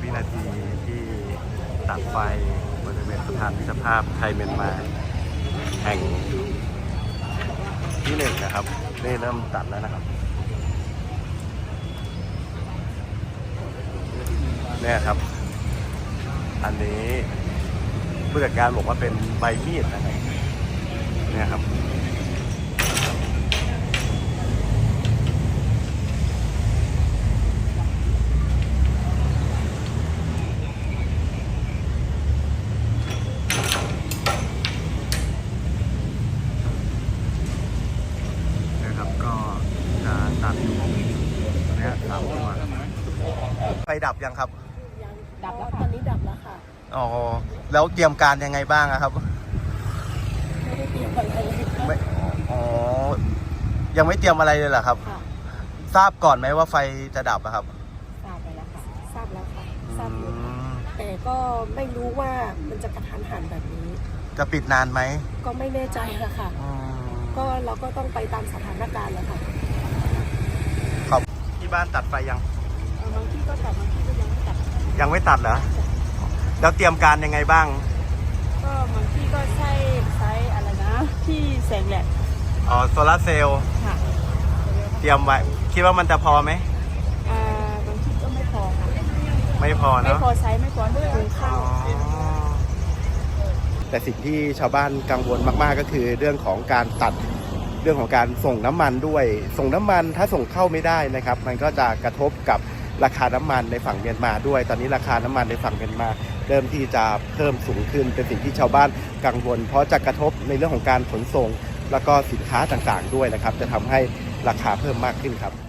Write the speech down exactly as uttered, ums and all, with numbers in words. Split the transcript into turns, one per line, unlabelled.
วินาทีที่ตัดไฟบริเวณสะพานมิตรภาพไทยเมียนมาแห่งที่หนึ่งนะครับนี่เริ่มตัดแล้วนะครับเนี่ยครับอันนี้ผู้จัดการบอกว่าเป็นใบมีดนะครับเนี่ยครับนะครับก็จะตัดอยู่เนี่ยสามตัวไฟดับยังครับ
ดับแล้วตอนนี้ดับแล้วค่ะ
อ๋อแล้วเตรียมการยังไงบ้างครับ
ไม่ได้เตรียมอะไรเลย
ไม่อ๋อยังไม่เตรียมอะไรเลยเหรอครับทราบก่อนไหมว่าไฟจะดับอะครับ
ทราบไปแล้วค่ะทราบแล้วค่ะทราบอยู่แต่ก็ไม่รู้ว่ามันจะกระทันหันแบบนี้
จะปิดนานไหม
ก็ไม่แน่ใจละค่ะก็เราก็ต้องไปตามสถานการณ์แล้วค่ะ
ครับที่บ้านตัดไฟยัง
บางที่ก็ตัดบางที่ก็ยังไม่ตัด
ยังไม่ตัดเหรอแล้วเตรียมการยังไงบ้าง
ก็บางที่ก็ใช้ใช้อะไรนะที่แสงแดด
อ๋อโซลาร์เซลล์
ค่ะ
เตรียมไว้คิดว่ามันจะพอไหม
อ่าบางที่ก็ไม่พอค่ะ
ไม่พอเนาะ
ไม่พอใช้ไม่พอด้วยหุงข้าว
แต่สิ่งที่ชาวบ้านกังวลมากๆก็คือเรื่องของการตัดเรื่องของการส่งน้ำมันด้วยส่งน้ำมันถ้าส่งเข้าไม่ได้นะครับมันก็จะกระทบกับราคาน้ำมันในฝั่งเมียนมาด้วยตอนนี้ราคาน้ำมันในฝั่งเมียนมาเริ่มที่จะเพิ่มสูงขึ้นเป็นสิ่งที่ชาวบ้านกังวลเพราะจะกระทบในเรื่องของการขนส่งแล้วก็สินค้าต่างๆด้วยนะครับจะทำให้ราคาเพิ่มมากขึ้นครับ